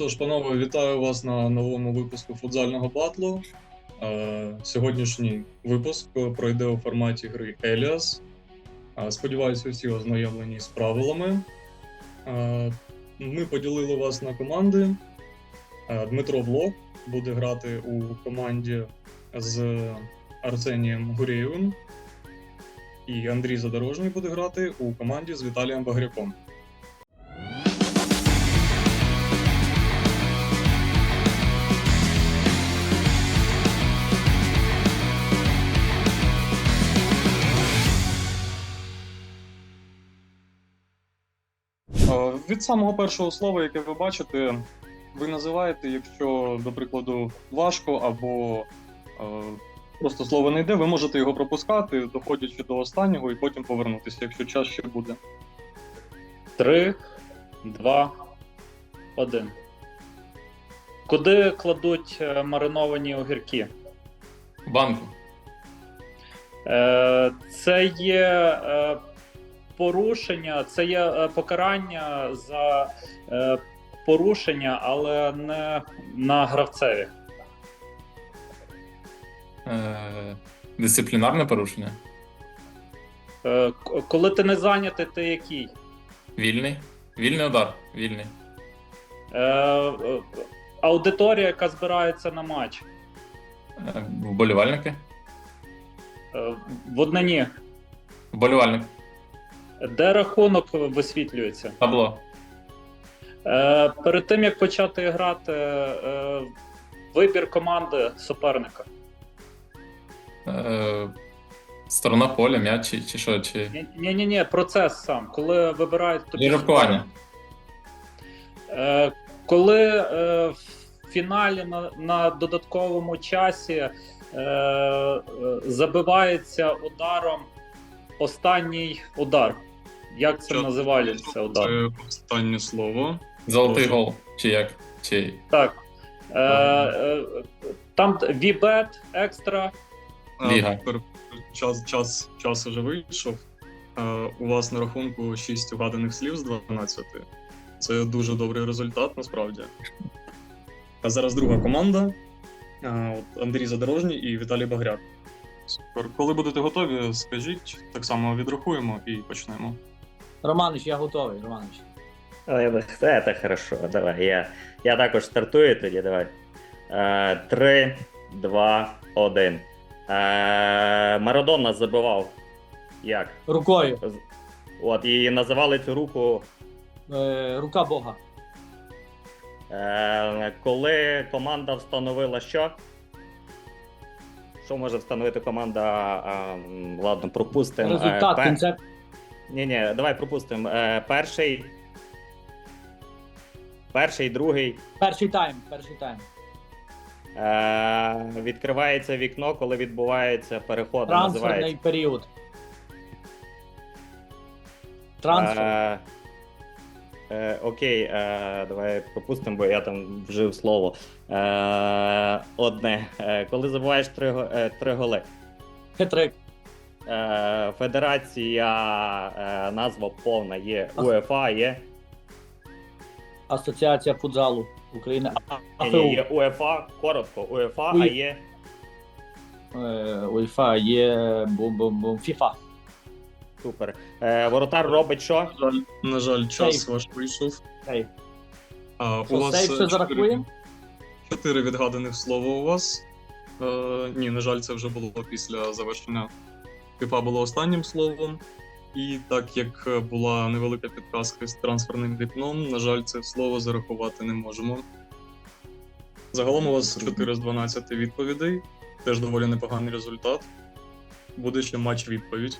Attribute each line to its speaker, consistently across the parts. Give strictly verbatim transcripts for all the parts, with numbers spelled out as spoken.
Speaker 1: Отож, панове, вітаю вас на новому випуску футзального батлу. Е, Сьогоднішній випуск пройде у форматі гри Elias. Е, Сподіваюся, усі ознайомлені з правилами. Е, Ми поділили вас на команди. Е, Дмитро Влог буде грати у команді з Арсенієм Гурєєвим. І Андрій Задорожній буде грати у команді з Віталієм Багряком. Від самого першого слова, яке ви бачите, ви називаєте, якщо, до прикладу, важко або е, просто слово не йде, ви можете його пропускати, доходячи до останнього, і потім повернутися, якщо час ще буде.
Speaker 2: Три, два, один. Куди кладуть е, мариновані огірки?
Speaker 3: Банку.
Speaker 2: Е, Це є е, порушення, це є е, покарання за е, порушення, але не на гравцеві.
Speaker 3: Е, дисциплінарне порушення.
Speaker 2: Е, к- коли ти не зайнятий, ти який?
Speaker 3: Вільний. Вільний удар. Вільний.
Speaker 2: Е, е, аудиторія, яка збирається на матч.
Speaker 3: Е, вболівальники.
Speaker 2: Е, в однині.
Speaker 3: Вболівальник.
Speaker 2: Де рахунок висвітлюється?
Speaker 3: Табло.
Speaker 2: Е, перед тим, як почати грати, е, вибір команди суперника.
Speaker 3: Е, сторона поля, м'яч чи, чи що? Чи...
Speaker 2: Ні-ні-ні, процес сам. Коли вибирають тобі
Speaker 3: Жеребкування.
Speaker 2: Е, коли е, в фіналі на, на додатковому часі е, е, забивається ударом останній удар. Як це
Speaker 1: Час-
Speaker 2: називається удар?
Speaker 1: Це останнє слово.
Speaker 3: Золотий
Speaker 1: Прошу.
Speaker 3: гол. Чи як? Чи...
Speaker 2: Так. Е, е, там вібет, екстра.
Speaker 3: Ліга.
Speaker 1: А, пер- Час, час, час уже вийшов. А, У вас на рахунку шість угаданих слів з дванадцяти. Це дуже добрий результат, насправді. А зараз друга команда. А, от Андрій Задорожній і Віталій Багряк. Супер. Коли будете готові, скажіть, так само відрахуємо і почнемо.
Speaker 4: Романович, я готовий, Романович.
Speaker 5: Ой, це, це хорошо, давай. Я, я також стартую тоді, давай. Е, Три, два, один. Е, Марадона забивав. Як?
Speaker 4: Рукою.
Speaker 5: З- От, і називали цю руку,
Speaker 4: Е, рука Бога.
Speaker 5: е, коли команда встановила що? Що може встановити команда? А, м, ладно, пропустимо.
Speaker 4: Результат, кінцеп.
Speaker 5: Ні, ні, давай пропустимо. Е, перший. Перший, другий.
Speaker 4: Перший тайм, перший тайм.
Speaker 5: Е, відкривається вікно, коли відбувається переход.
Speaker 4: Трансферний
Speaker 5: Називається.
Speaker 4: період. Трансфер.
Speaker 5: Е, е, окей, е, давай пропустимо, бо я там вжив слово. Е, одне. Е, коли забуваєш три, го- е, три голи.
Speaker 4: Хитрик.
Speaker 5: Е, федерація, е, назва повна є УЄФА, є.
Speaker 4: Асоціація футзалу України. А-
Speaker 5: Ні, ні,
Speaker 4: АФУ.
Speaker 5: є УЄФА, коротко, УЄФА, а
Speaker 4: Уї-
Speaker 5: є.
Speaker 4: Е, УЄФА є бум-бум-бум. ФІФА.
Speaker 5: Супер. Е, воротар робить що?
Speaker 1: На жаль, на жаль, час
Speaker 4: Сейф.
Speaker 1: ваш вийшов.
Speaker 4: Ей.
Speaker 1: А,
Speaker 4: Що, сейф ще
Speaker 1: чотири-
Speaker 4: зарахуємо?
Speaker 1: Чотири відгаданих слова у вас. Е, ні, на жаль, це вже було після завершення. ФІФА було останнім словом. І так як була невелика підказка з трансферним вікном, на жаль, це слово зарахувати не можемо. Загалом у вас чотири з дванадцяти відповідей. Теж доволі непоганий результат. Буде ще матч-відповідь.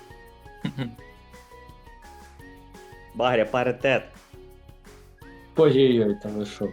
Speaker 5: Багря, паритет.
Speaker 4: Ой-ой-ой, та ви що.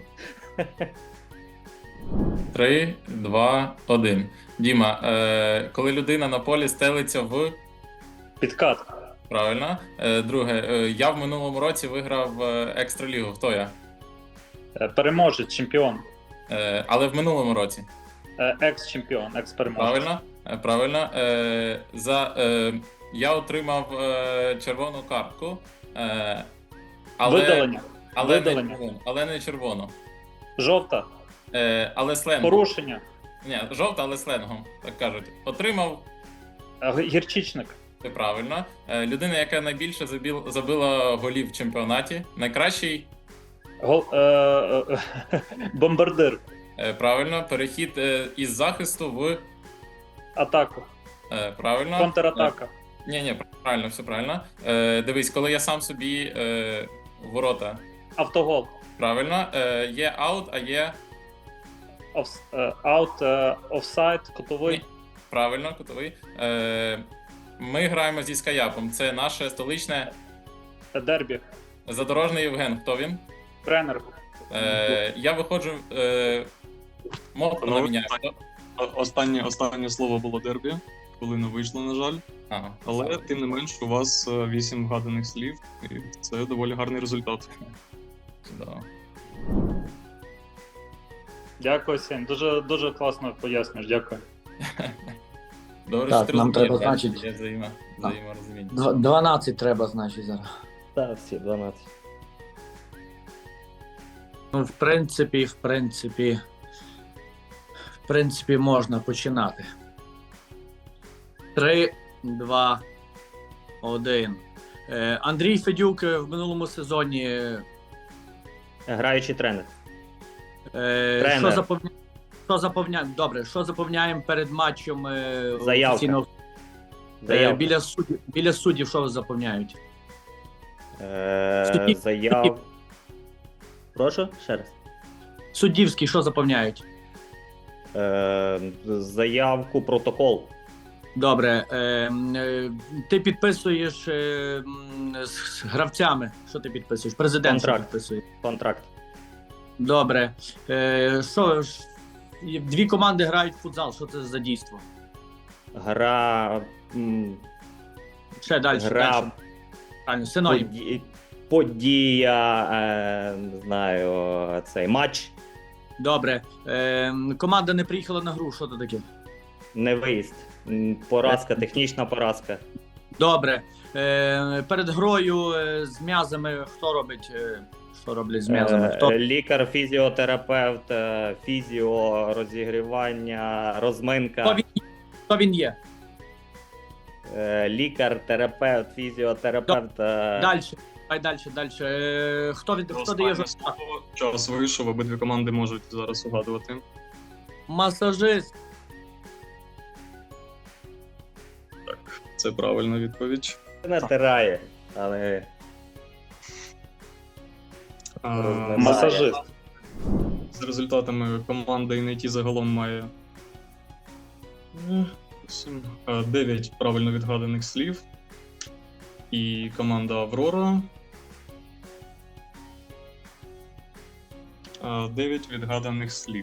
Speaker 3: Три, два, один. Діма, е, коли людина на полі стелиться в...
Speaker 2: Підкат.
Speaker 3: Правильно. Е, друге, е, я в минулому році виграв е, екстралігу. Хто я?
Speaker 2: Е, Переможець, чемпіон.
Speaker 3: Е, але в минулому році.
Speaker 2: Е, Екс-чемпіон, екс-переможець.
Speaker 3: Правильно? Е, Правильно. Е, за, е, я отримав е, червону картку. Е, але,
Speaker 2: Видалення.
Speaker 3: але,
Speaker 2: Видалення.
Speaker 3: Не, але не червону.
Speaker 2: Жовта.
Speaker 3: Е, але сленгом.
Speaker 2: Порушення.
Speaker 3: Ні, жовта, але сленгом, так кажуть. Отримав,
Speaker 2: Е, Гірчичник.
Speaker 3: це правильно. Е, людина, яка найбільше забіл, забила голів в чемпіонаті. Найкращий,
Speaker 2: Гол... Е, е, е, бомбардир.
Speaker 3: е, правильно. Перехід е, із захисту в.
Speaker 2: Атаку.
Speaker 3: Е, правильно.
Speaker 2: Контратака.
Speaker 3: Ні, ні, правильно, все правильно. Е, дивись, коли я сам собі е, ворота.
Speaker 2: Автогол.
Speaker 3: Правильно. Е, є аут, а є.
Speaker 2: Офс... е, Аут. е, Офсайд. Кутовий.
Speaker 3: Ні. Правильно, кутовий. Е, ми граємо зі Скаяпом. Це наше столичне
Speaker 2: Дербі.
Speaker 3: задорожний Євген. Хто він?
Speaker 2: Тренер.
Speaker 3: Е, я виходжу. Е, мовку
Speaker 1: Ну,
Speaker 3: наміняю.
Speaker 1: О- Останнє, останнє слово було дербі, коли не вийшло, на жаль.
Speaker 3: Ага.
Speaker 1: Але тим не менш, у вас е, вісім вгаданих слів, і це доволі гарний результат.
Speaker 3: Чудово.
Speaker 2: Дякую, Сень. Дуже, дуже класно пояснюєш. Дякую.
Speaker 3: Добре,
Speaker 4: Так,
Speaker 3: що ти
Speaker 4: нам
Speaker 3: розумієш,
Speaker 4: треба,
Speaker 3: так,
Speaker 4: значить-
Speaker 3: Є взаємо, взаєморозуміння.
Speaker 4: Дв- дванадцять треба, значить, зараз.
Speaker 5: Так, всі дванадцять.
Speaker 4: Ну, в принципі, в принципі, в принципі, можна починати. Три, два, один. Е, Андрій Федюк е, в минулому сезоні. Е,
Speaker 5: Граючий тренер.
Speaker 4: що
Speaker 5: Тренер.
Speaker 4: заповня... що заповняємо? Добре, що заповняємо перед матчем е,
Speaker 5: Заявка.
Speaker 4: офіційного- Е,
Speaker 5: Заявка.
Speaker 4: біля суддів, біля суддів, що заповняють?
Speaker 5: Е,
Speaker 4: Судді-
Speaker 5: заяв. Прошу, ще раз.
Speaker 4: Суддівський, що заповняють?
Speaker 5: Е, заявку, протокол.
Speaker 4: Добре. Е, м, е, ти підписуєш е, м, з гравцями. Що ти підписуєш? Президент що
Speaker 5: Контракт.
Speaker 4: підписує.
Speaker 5: Контракт.
Speaker 4: Добре. Е, що ж, і дві команди грають в футзал. Що це за дійство?
Speaker 5: Гра. м,
Speaker 4: Ще далі.
Speaker 5: Гра.
Speaker 4: далі. Правильно, синонім.
Speaker 5: Поді... Подія. Е, не знаю, цей матч.
Speaker 4: Добре. Е, команда не приїхала на гру. Що це таке?
Speaker 5: Не виїзд. М, Поразка, технічна поразка.
Speaker 4: Добре. Е, перед грою е, з м'язами хто робить? Е, що роблять з м'язами?
Speaker 5: Е,
Speaker 4: Хто?
Speaker 5: Лікар, фізіотерапевт, е, фізіо, розігрівання, розминка.
Speaker 4: Хто він, хто він є?
Speaker 5: Е, Лікар, терапевт, фізіотерапевт. е,
Speaker 4: Далі. Давай далі, далі. Е, хто, від, хто дає
Speaker 1: Останнє
Speaker 4: жовтак?
Speaker 1: слово. Час вийшов, обидві команди можуть зараз угадувати.
Speaker 4: Масажист.
Speaker 1: Це правильна відповідь.
Speaker 5: Натирає, але
Speaker 1: А,
Speaker 5: Розминає.
Speaker 2: Масажист.
Speaker 1: З результатами команда ен ай ті загалом має сім, е, дев'ять правильно відгаданих слів. І команда Аврора е, дев'ять відгаданих слів.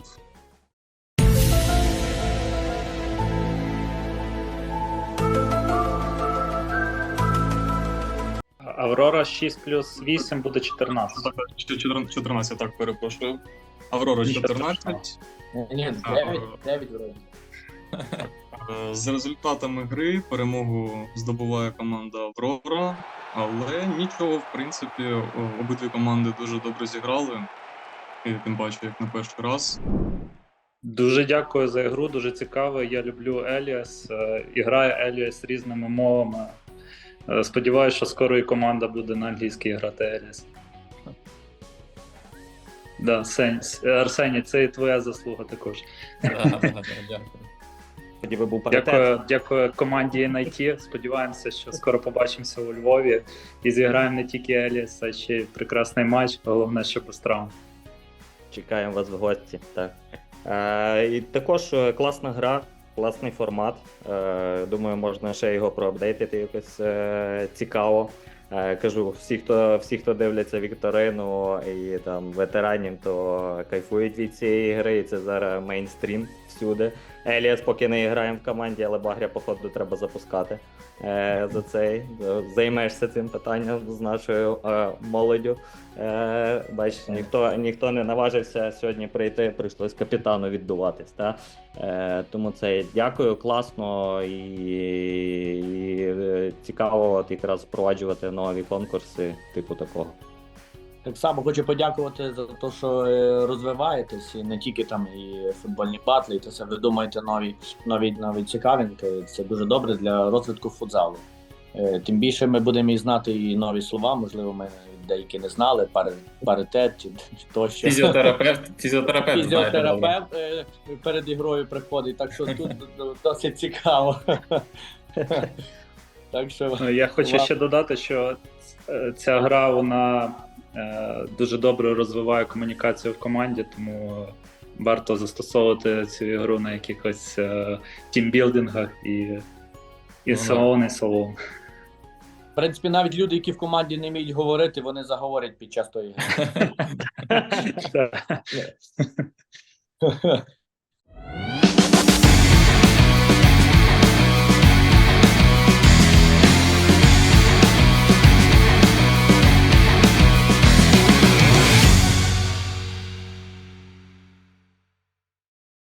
Speaker 2: Аврора шість плюс вісім буде чотирнадцять.
Speaker 1: Так, ще чотирнадцять, чотирнадцять, так, перепрошую. Аврора
Speaker 2: Нічого
Speaker 1: чотирнадцять.
Speaker 4: Ні,
Speaker 1: А,
Speaker 4: дев'ять, дев'ять вроді.
Speaker 1: Е, З результатами гри перемогу здобуває команда Аврора, але нічого, в принципі, о- обидві команди дуже добре зіграли. І тим паче, як на перший раз.
Speaker 2: Дуже дякую за ігру, дуже цікаво. Я люблю Еліас е, і грає Еліас різними мовами. Е, Сподіваюсь, що скоро і команда буде на англійській грати Еліас. Да, Сень, Арсеній, це і твоя заслуга також.
Speaker 3: Да, да, да, дякую.
Speaker 5: тоді би був паритет.
Speaker 2: Дякую, дякую команді ен ай ті. Сподіваємося, що скоро побачимося у Львові і зіграємо не тільки Еліас, а ще й прекрасний матч. Головне, що без травм.
Speaker 5: Чекаємо вас в гості. Так. Е, і також е, класна гра, класний формат. Е, думаю, можна ще його проапдейтити якось е, цікаво. Е, кажу, всі хто, всі, хто дивляться Вікторину і там ветеранів, то кайфують від цієї гри, і це зараз мейнстрім всюди. Еліас поки не граємо в команді, але Багря, походу, треба запускати е, за цей. Займешся цим питанням з нашою е, молоддю. Е, бачиш, ніхто, ніхто не наважився сьогодні прийти, прийшлось капітану віддуватись. Та? Е, тому це дякую, класно і, і е, цікаво от якраз впроваджувати нові конкурси, типу такого.
Speaker 4: Так само хочу подякувати за те, що е, розвиваєтесь, і не тільки там і футбольні батли, і це все ви думаєте нові, нові, нові цікавинки. Це дуже добре для розвитку футзалу. Е, Тим більше ми будемо і знати і нові слова, можливо, ми деякі не знали, пари, паритет чи тощо.
Speaker 3: Фізіотерапевт, фізіотерапевт, знаєте, добре.
Speaker 4: Фізіотерапевт е, перед ігрою приходить, так що тут досить цікаво. Так що
Speaker 2: Ну, я хочу
Speaker 4: Ва-
Speaker 2: ще додати, що е, ця гра вона е, дуже добре розвиває комунікацію в команді, тому варто застосовувати цю ігру на якихось е, тімбілдингах і, і
Speaker 3: Ну,
Speaker 2: so on, і so on.
Speaker 4: в принципі, навіть люди, які в команді не вміють говорити, вони заговорять під час тої гри.
Speaker 2: Так.